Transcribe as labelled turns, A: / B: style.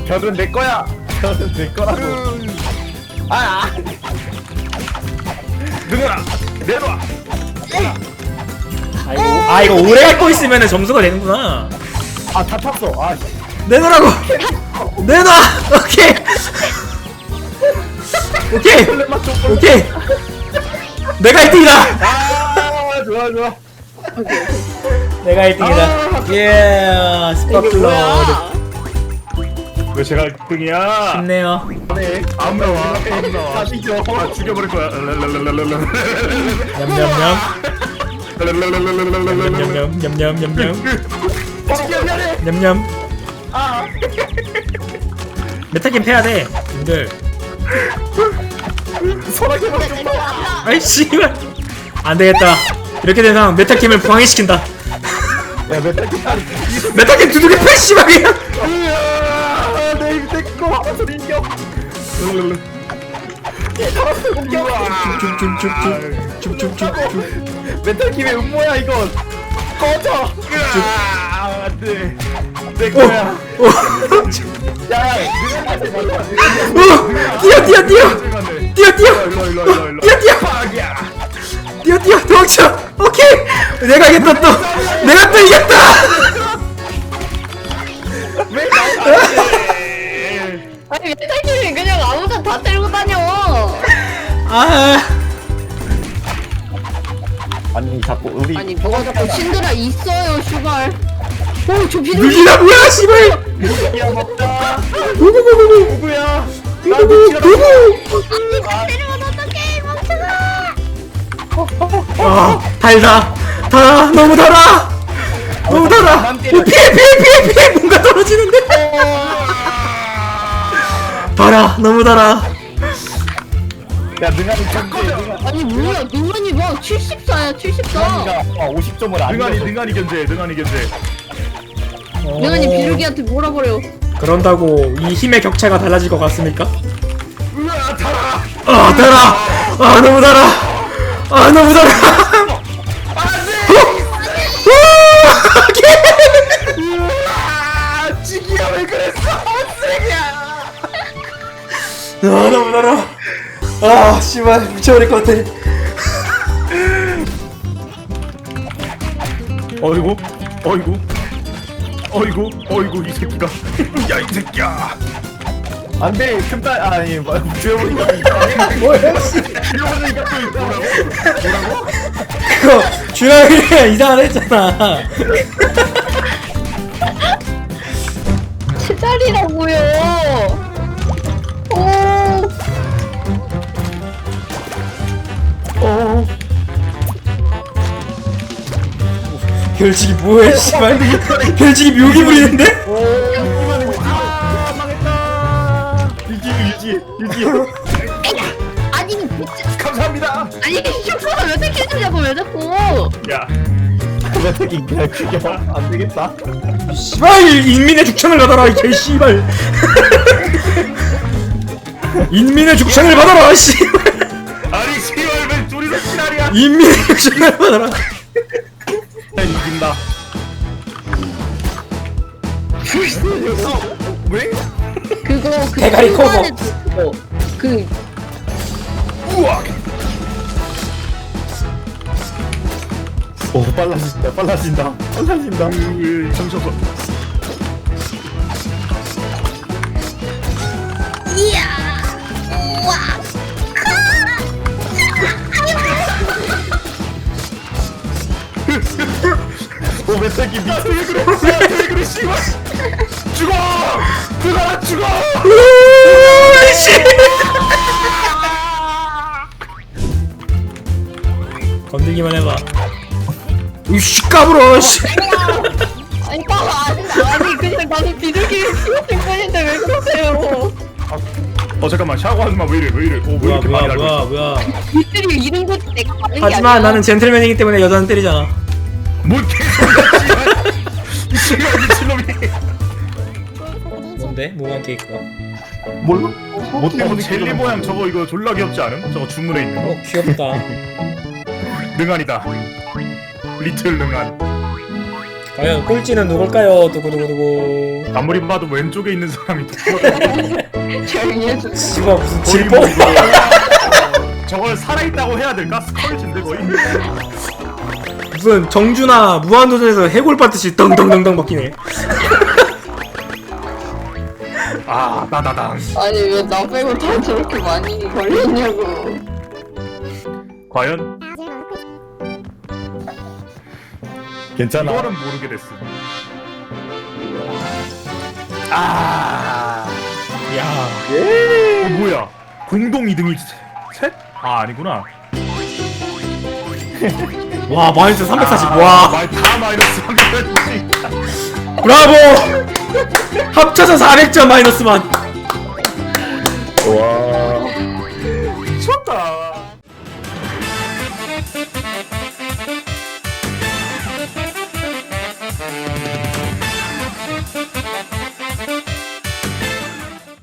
A: 결은 내 거야. 결은 내 거라고.
B: 누구나 내놔.
C: 아이고 아 이거 오래 갖고 있으면 점수가 되는구나.
A: 아, 다 탔어. 아, 씨.
C: 내놓으라고. 내놔. 오케이. 오케이. 오케이. 내가 1등이다.
A: 아, 좋아, 좋아.
C: 내가 1등이다. 예. 스파클러.
B: 왜 제가 1등이야?
C: 좋네요.
A: 네.
B: 안 나와. 안 나와.
A: 다 뒤져.
B: 아 죽여버릴 거야.
C: 냠냠냠. 냠냠냠. 냠냠냠.
A: 미안해.
C: 냠냠.
A: 아,
C: 메타게임 패야 돼. 님들.
A: 소라게 좀 봐.
C: 아이 씨발. 안 되겠다. 이렇게 된 상황 메타게임을 부황해시킨다.
A: 야, 메탈
C: 메타게임 두둑이 패 씨발이야.
A: 내 입 떼고 하면서 인격.
C: 쭉쭉쭉쭉쭉쭉쭉쭉.
A: 메탈 김의 음모야 이건. 꺼져.
B: 안돼. 내
C: 오.
B: 거야.
C: 오.
A: 야,
C: 뛰어 뛰어 뛰어. 뛰어 뛰어.
B: 일로.
C: 뛰어 뛰어. 뛰어 뛰어 도망쳐. 오케이. 내가 이겼다 또. 내가 또 이겼다.
D: 아니 메탈님이 그냥 아무나 다 때리고 다녀.
C: 아.
A: 아니 자꾸 우리
D: 아니 뭐가 자꾸 신드라 있어요 슈발. 오저 비둘기.
C: 누기나 뭐야 씨발.
A: 야 먹자.
C: 누구.
A: 누구야?
C: 누구.
D: 다 때리면 어떡해 멍청아.
C: 아 달다. 달아 너무 달아. 너무 달아. 피해. 뭔가 떨어지는데. 달아 너무 달아.
A: 야 능한이 견제.
D: 아니 뭐야 능한이 뭐 74야 74.
A: 능한이가 50점을 안
B: 능한이 견제.
D: 능한이 비둘기한테 몰아버려.
C: 그런다고 이 힘의 격차가 달라질 것 같습니까?
B: 으아 달아.
C: 아 달아. 아 너무 달아. 아 너무 달아.
B: 아 지기야 왜 그랬어? 쓰레기야.
C: 아 너무 달아. 아 씨발 미쳐버릴 것 같아.
B: 어이구 이 새끼가. 야 이 새끼야.
A: 안돼 금딸 아니 뭐 주여보니까
C: 뭐야 씨.
A: 주여보니까 또 뭐라고?
C: 그거 주영이가 이상하다 했잖아.
D: 제자리라고요. 오.
C: 결직이 뭐해 씨발. 결직이 묘기 부리는데?
A: 아 망했다. 유지.
D: 아니 진짜.
B: 감사합니다.
D: 아니 슈퍼가 왜 이렇게 해주냐고 왜 자꾸.
B: 야.
A: 메탈 그냥 죽여. 안 되겠다.
C: 씨발 인민의 죽창을 받아라 이 개씨발. 인민의 죽창을 받아라 씨발.
B: 아니 씨발 왜 둘이서 지랄이야?
C: 인민의 죽창을 받아라.
B: 이긴다.
A: 왜?
D: 그거 그
C: 대가리 커버.
D: 중간에 그거, 그
B: 우와.
A: 오 빨라진다.
B: 정셔서.
D: 이야. 우와.
A: 오 메탈 김 미쳐.
B: 왜 그래 씨발. 죽어. 죽어.
C: 씨. 건들기만 해봐. 이씨 까불어 씨.
D: 아니 봐봐 아니 그냥 나는 비둘기를 키웠을 뿐인데 왜 그러세요?
B: 잠깐만 샤워 하지마. 왜 이래. 왜 이렇게 많이 알고 있어?
C: 뭐야.
D: 이들이 이런 거 내가 받는 게
C: 하지만
D: 아니야.
C: 나는 젠틀맨이기 때문에 여자는 때리잖아.
B: 뭔 개소리야 씨발. 이 씨발 미친놈이.
C: 뭔데? 뭐만 케이크가?
A: 뭘로?
B: 뭐 젤리 모양 저거 이거 졸라 귀엽지 않음? 저거 주문에 있는 거.
C: 귀엽다.
B: 능한이다. 리틀 능한.
C: 과연 꼴찌는 누굴까요? 두구두구두구.
B: 아무리 봐도 왼쪽에 있는 사람이 누구야?
D: 조용히 해줘.
C: 씨발 무슨
B: 거의
C: 질뻔.
B: 뭐 이거 저걸 살아있다고 해야 될까? 스컬진데 거의.
C: 무슨 정준하 무한도전에서 해골 받듯이 덩덩덩덩 먹히네.
B: 아 나다당.
D: 아니 왜 나 빼고 다 저렇게 많이 걸렸냐고.
B: 과연
A: 괜찮아.
B: 이거는 모르게 됐어. 아.
C: 야.
B: 뭐야? 공동 2등이 셋? 아 아니구나.
C: 와 마이너스 340.
B: 아,
C: 와.
B: 다 마이너스 340.
C: 브라보. 합쳐서 400점 마이너스만.
A: 와.
B: 미쳤다.